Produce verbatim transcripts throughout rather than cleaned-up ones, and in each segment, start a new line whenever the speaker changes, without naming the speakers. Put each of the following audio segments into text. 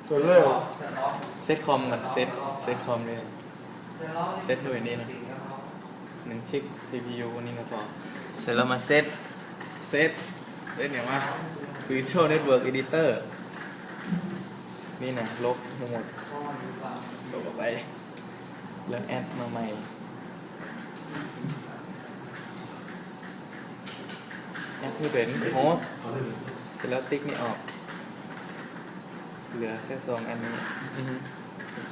ตัวเลือก
เซตคอมกับเซตเซตคอมเลยเซตด้วยนี่นะหนึ่งชิก ซี พี ยู นี่ก็พอเสร็จแล้วมาเซตเซตเซตเนี่ยว่า Virtual Network Editor นี่นะลบทั้งหมดลบออกไปแล้วแอดมาใหม่แอดเพื่อเป็นโฮสต์เสร็จแล้วติ๊กนี่ออกเหลือแค่สองอันนี้โอเค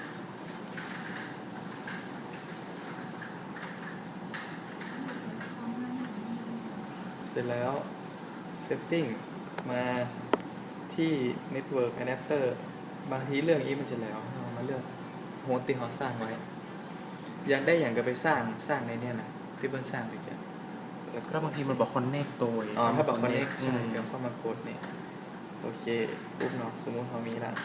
เสร็จแล้ว setting มาที่ network adapter บางทีเรื่องนี้มันจะแล้วเรามาเลือกโฮสต์ที่เขาสร้างไว้อยากได้อย่างก็ไปสร้างสร้างในเนี้ยนะที่เพิ่นสร้างไปกัน
แล้วก็บางทีมันบอก connect ตัว
อ๋อถ้าบอก connect ใช่ก็เข้ามากดเนี่ยโอเคปุ๊บเนาะสมมุติเขามีละ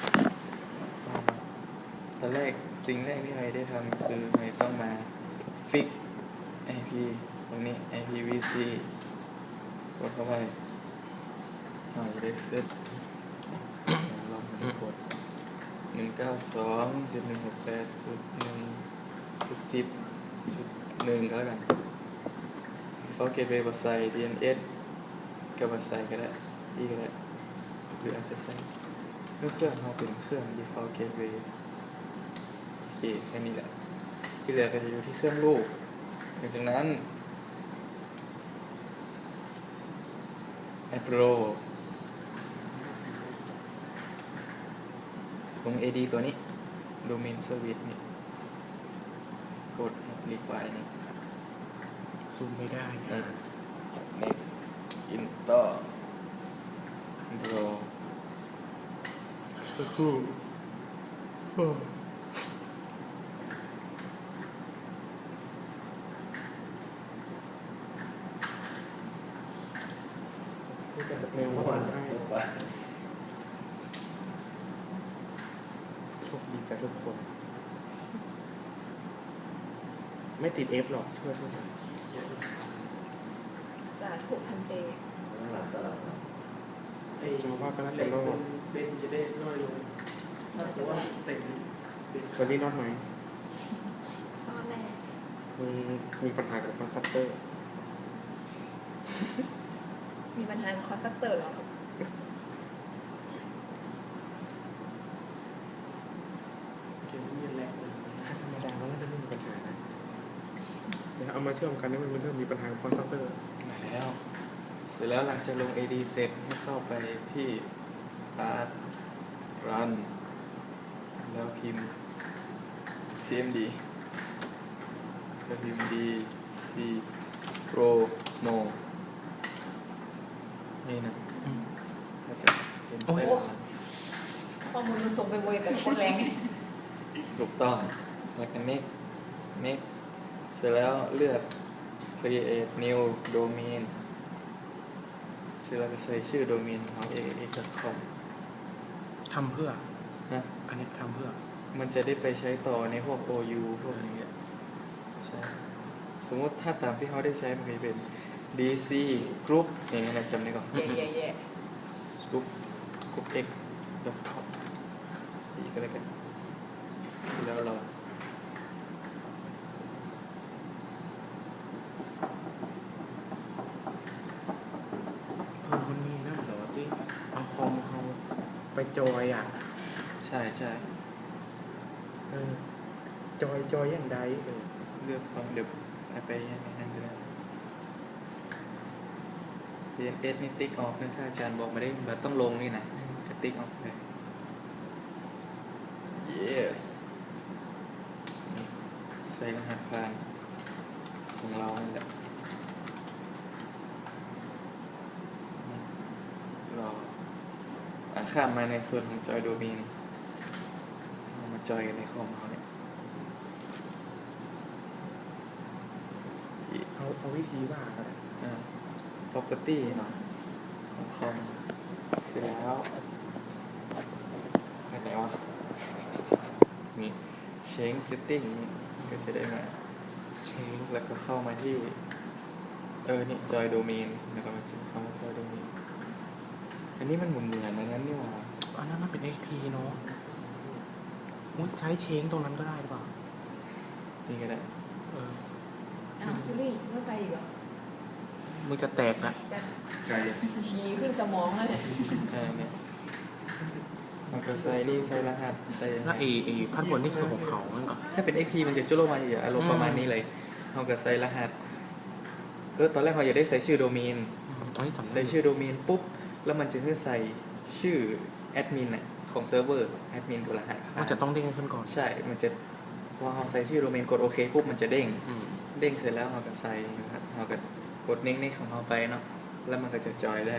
ตอนแรกสิ่งแรกที่เราได้ทำคือเราต้องมา fix ไอ พี ตรงนี้ ไอ พี วี ซี กดเข้าไปหน่อยได้เซตลองมากดหนึ่งเก้าสองจุดหนึ่งหกแปดจุดหนึ่งจุดสิบจุดหนึ่งก็แล้วกันเขาเก็บไปบใส่ ดี เอ็น เอส กับบใส่ก็ได้อีก็ได้หรืออาจจะใส่เครื่องเขาเป็นเครื่อง default gateway โอเคแค่นี้แหละที่เหลือก็จะอยู่ที่เครื่องลูกหลังจากนั้นแอปโรลง เอ ดี ตัวนี้ Domain Service นี่กด Require นี่
ซูมไม่ได้
เออ Next Install Draw สักครู่
เร็วมากให้โชคดีกับทุกคน ไม่ติด F หรอกช่วยช่วย
สาธุพันเต
หลังสลับไอ้
จะว่าก็น่าจะรอด
เบนจะได้น้อยลงถ้าสมมติว่าเต็ม
ตอนนี้รอดไหม
รอดแน่
มึงมีปัญหากับคอนซัพเตอร์
มีปัญหาคอนซัพเตอร์หรอครับ
เก็บเงินแรงเลย
ค่าธรรมดามันน่าจะไม่มีปัญหานะเดี๋ยวเอามาเชื่อมกันนี่มันเริ่มมีปัญหากับคอนซัพเตอร์
มาแล้วเสร็จแล้วหลังจากลง เอ ดี เสร็จให้เข้าไปที่ start run แล้วพิมพ์ ซี เอ็ม ดี แล้วพิมพ์ D C Pro Mo นี่นะแล้วก็เป็นแป้ง
ข้อมูลมันส่งไปเวกับคนแรง
ถูกต้องแล้วก็ next next เสร็จแล้วเลือก create new domain เสร็จแล้วก็ใส่ชื่อโดเมนของ เอ เอ็กซ์ ดอท คอม
ทำเพื่อ
ฮะ
อันนี้ทำเพื่อ
มันจะได้ไปใช้ต่อในพวก โอ ยู พวกอย่างเงี้ยใช่สมมติถ้าตามที่เขาได้ใช้มันจะเป็น ดี ซี Group อย่างเงี้ยนะจำได้ก่อน
แย่แย่แย่
Group Group X ดอท คอม อีกก็แล้วกันเสร็จแล้วเรา
เออมันมีนั่นเหรอที่เอาคอมเขาไปจอยอ่ะ
ใช่ใช่
เออจอยจอยอย่างใดเออ
เลือกสองเดี๋ยวไปในนั้นก็ได้ ดี เอ็น เอส นี่ติ๊กออกนะถ้าอาจารย์บอกมาได้แบบต้องลงนี่นะก็ติ๊กออกเลย yes ใส่รหัสผ่านของเรานี่แหละรออ่ะข้ามมาในส่วนของจอยโดเมนเอามาจอยกันในคอมเขาเนี่ย
เอาเอาวิธีว่ากัน
อ่า property เนาะของคอมเสร็จแล้วไปไหนวะนี่ change setting นี่ก็จะได้มา change แล้วก็เข้ามาที่เออนี่ joy domain แล้วก็มาเข้ามา joy domain อันนี้มันเหมือนเหมือนนั้นนี่หว่า
เออันนั้นมันเป็น เอ็กซ์ พี เนาะมุ้ยใช้เชงตรงนั้นก็ได้หรือเปล่า
นี่ก็ได้
เออ
อ้าวชิลลี่ไม่ไปอีกเหรอ
มึงจะแตกนะ
จะ
ไกล
ชี้ขึ้นสมองแล้วเนี่ย
เออเนี่ยมันก็ใส่นี่ใส่รหัสใส่
แล้วไอ้ไอ้พัดบนนี่คือของเขานั่นเหรอ
ถ้าเป็น เอ็กซ์ พี มันจะจุลมาอย่างอารมณ์ประมาณนี้เลยเขาก็ใส่รหัสเออตอนแรกเขาอยากได้ใส่ชื่อโดเมน
ตอนนี้จำได้
ใส่ชื่อโดเมนปุ๊บแล้วมันจะให้ใส่ชื่อแอดมินอะของเซิร์ฟเวอร์แอดมินกับรหัสผ่า
มัน
น
จะต้องเด้งขึ้นก่อน
ใช่ มันจะพอเราใส่ชื่อโดเมนกดโอเคปุ๊บมันจะเด้ง
อืม
เด้งเสร็จแล้วเราก็ใส่นะครับเราก็กดเน้งๆของเราไปเนาะแล้วมันก็จะจอยได้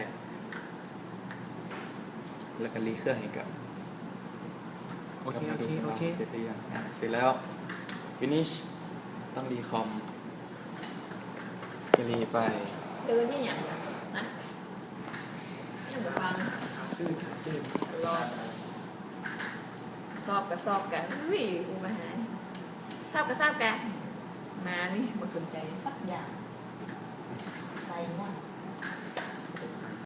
แล้วก็รีเครื่องให้กับ
โอเคโอเคโอเค
เสร็จหรือยังอ่ะเสร็จแล้ว finish ต้องรีคอมก็รีไป
เดินนี่อย่างนะยังบ่ฟังรอบสอบกับสอบกันอุ้ยอุมาหายสอบกับสอบกันมานี่บ่สนใจ